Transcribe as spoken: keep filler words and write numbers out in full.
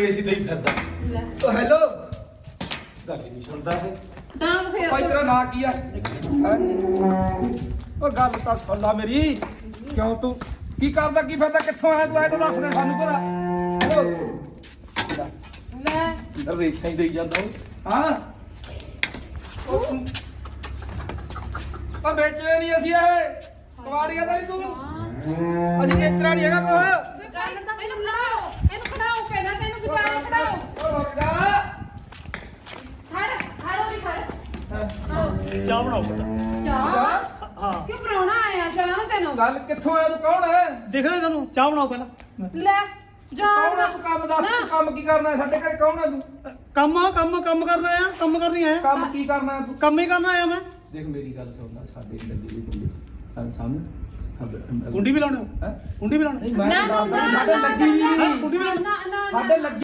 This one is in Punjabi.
ਏਸੀ ਤੇ ਹੀ ਫਿਰਦਾ ਲੈ ਓ ਹੈਲੋ ਗੱਲ ਹੀ ਨਹੀਂ ਸੁਣਦਾ ਇਹ ਦਾਂਗ ਫੇਰ ਭਾਈ ਤੇਰਾ ਨਾਂ ਕੀ ਆ ਹੈਂ? ਓ ਗੱਲ ਤਾਂ ਸੁਣ ਲਾ ਮੇਰੀ ਕਿਉਂ ਤੂੰ ਕੀ ਕਰਦਾ ਕੀ ਫਿਰਦਾ ਕਿੱਥੋਂ ਆਇਆ ਤੂੰ ਐ ਤਾਂ ਦੱਸ ਦੇ ਸਾਨੂੰ ਭਰਾ ਲੈ ਰੇਸਾਂ ਹੀ ਦੇਈ ਜਾਂਦਾ ਉਹ ਹਾਂ ਉਹ ਤੂੰ ਆ ਵੇਚਣੇ ਨਹੀਂ ਅਸੀਂ ਇਹ ਕਵਾੜੀਆਂ ਤਾਂ ਨਹੀਂ ਤੂੰ ਅਸੀਂ ਵੇਚਣਾ ਨਹੀਂ ਹੈਗਾ ਕੋਹ ਇਹਨੂੰ ਖੜਾਓ ਇਹਨੂੰ ਖੜਾਓ ਪਹਿਲਾਂ ਤੈਨੂੰ ਵਿਚਾਰੇ ਖੜਾਓ ਓ ਰੁਕ ਜਾ ਖੜ ਖੜੋ ਜੀ ਖੜ ਚਾਹ ਬਣਾਓ ਪਹਿਲਾਂ ਚਾਹ ਹਾਂ ਕਿਉਂ ਪਰਾਉਣਾ ਆਇਆ ਚਾਹ ਤੈਨੂੰ ਗੱਲ ਕਿੱਥੋਂ ਆਇਆ ਤੂੰ ਕੌਣ ਹੈ ਦੇਖ ਲੈ ਤੈਨੂੰ ਚਾਹ ਬਣਾਓ ਪਹਿਲਾਂ ਲੈ ਜਾਣ ਕੌਣ ਹੈ ਤੂੰ ਕੰਮ ਦੱਸ ਤੂੰ ਕੰਮ ਕੀ ਕਰਨਾ ਹੈ ਸਾਡੇ ਘਰੇ ਕੌਣ ਹੈ ਤੂੰ ਕੰਮ ਆ ਕੰਮ ਕੰਮ ਕਰਨਾ ਆ ਕੰਮ ਕਰਨੀ ਆਇਆ ਕੰਮ ਕੀ ਕਰਨਾ ਹੈ ਤੂੰ ਕੰਮ ਹੀ ਕਰਨਾ ਆਇਆ ਮੈਂ ਦੇਖ ਮੇਰੀ ਗੱਲ ਸੁਣ ਲੈ ਸਾਡੇ ਲੱਗੀ ਹੋਈ ਕੁੰਡੀ ਸਾਡੇ ਸਾਹਮਣੇ ਕੁੰਡੀ ਵੀ ਲਾਉਣੇ ਹੋ ਹੈ ਕੁੰਡੀ ਵੀ ਲਾਉਣੇ ਮੈਂ ਨਾ ਨਾ ਸਾਡੇ ਲੱਗੀ ਨਾ ਨਹੀਂ ਕੁੰਡੀ ਵੀ ਲਾਉਣੇ ਨਾ ਨਾ ਸਾਡੇ ਲੱਗੀ